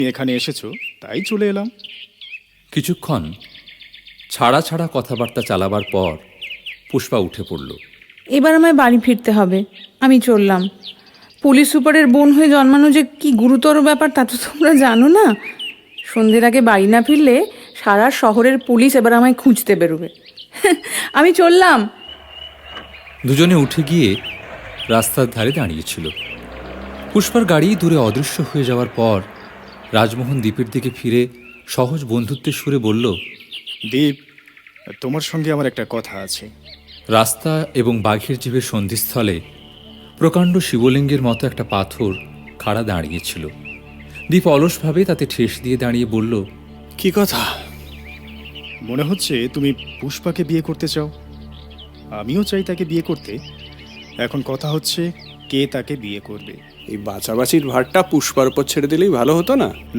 এখানে এসেছো তাই চলে এলাম। কিছুক্ষণ ছাড়া ছাড়া কথাবার্তা চালাবার পর পুষ্পা উঠে পড়ল। এবার আমায় বাড়ি ফিরতে হবে, আমি চললাম। পুলিশ সুপারের বোন হয়ে জন্মানো যে কি গুরুতর ব্যাপার তা তো তোমরা জানো না। সন্ধ্যের আগে বাড়ি না ফিরলে সারা শহরের পুলিশ এবার আমায় খুঁজতে বেরোবে। আমি চললাম। দুজনে উঠে গিয়ে রাস্তার ধারে দাঁড়িয়েছিল। পুষ্পার গাড়ি দূরে অদৃশ্য হয়ে যাওয়ার পর রাজমোহন দ্বীপের দিকে ফিরে সহজ বন্ধুত্বের সুরে বলল, দীপ, তোমার সঙ্গে আমার একটা কথা আছে। রাস্তা এবং বাঘের জিভের সন্ধিস্থলে প্রকাণ্ড শিবলিঙ্গের মতো একটা পাথর খাড়া দাঁড়িয়েছিল। দীপ অলসভাবে তাতে ঠেস দিয়ে দাঁড়িয়ে বলল, কি কথা? মনে হচ্ছে তুমি পুষ্পাকে বিয়ে করতে চাও। আমিও চাই তাকে বিয়ে করতে। এখন কথা হচ্ছে কে তাকে বিয়ে করবে। এই বাছাবাছির ভারটা পুষ্পার উপর ছেড়ে দিলেই ভালো হতো না?